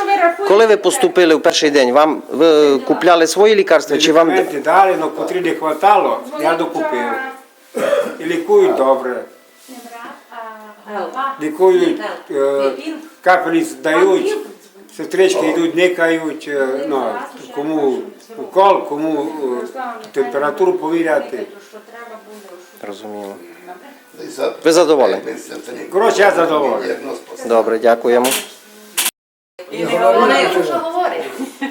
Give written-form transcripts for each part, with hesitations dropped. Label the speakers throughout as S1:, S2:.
S1: що ви рахуєте?
S2: Коли ви поступили в перший день, ви купляли свої лікарства чи вам...
S3: Медикаменти дали, але котрі не хватало, я докупив. І лікують добре. Лікують, капельниць дають, сестрички йдуть, никають, ну, кому укол, кому температуру повіряти.
S2: Розуміло. Ви задоволені?
S3: Коротше, я задоволений.
S2: Добре, дякуємо.
S1: Вона йому що говорить.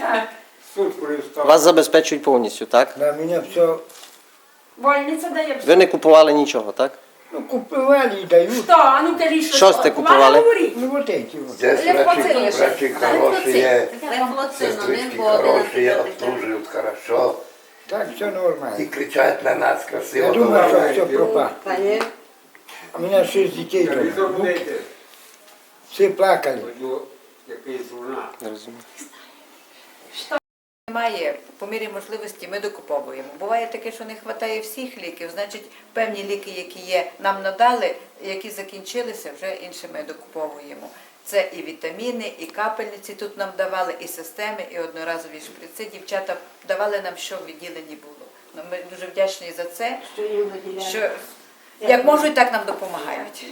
S2: Вас забезпечують повністю, так?
S4: На мене все,
S1: Больниця дає все.
S2: Ви не купували нічого, так?
S4: ну, купували і дають.
S1: Що? А ну кажіть, що?
S2: Що сте купували?
S1: Говоріть.
S4: Ну, вот эти вот.
S5: Здесь врачи хорошие,
S6: Левфлоцин,
S5: сестрички хорошие, обслуживают хорошо
S4: Так, все нормально.
S5: и кричат на нас
S4: Я
S5: красиво.
S4: думаю, що
S5: говорят.
S4: все пропало. У мене 6 дітей дома. Всі плакали.
S2: Розумію.
S6: Немає, по мірі можливості ми докуповуємо. Буває таке, що не вистачає всіх ліків, значить певні ліки, які є, нам надали, які закінчилися, вже інші ми докуповуємо. Це і вітаміни, і капельниці тут нам давали, і системи, і одноразові шприци. Дівчата давали нам, що в відділенні було. Ну, ми дуже вдячні за це, що як можуть, так нам допомагають.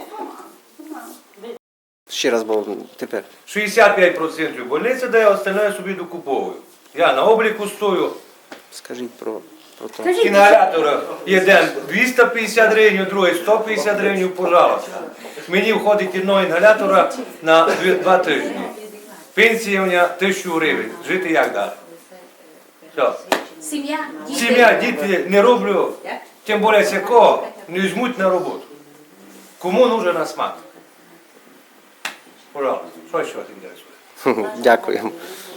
S2: Ще раз, бо тепер.
S7: 65% больниця дає, остальне собі докуповую. Я на обліку стою.
S2: Скажіть про те.
S7: Інгалятор один 250 гривень, другий 150 гривень, пожалуйста. Мені входить одного інгалятора на 2 тижні. Пенсія у мене 1000 гривень. Жити як далі? Все. Сім'я, діти не роблю, тим більше кого не візьмуть на роботу. Кому нужен асмат? Пожалуйста, що ще вас інтересує?
S2: Дякуємо.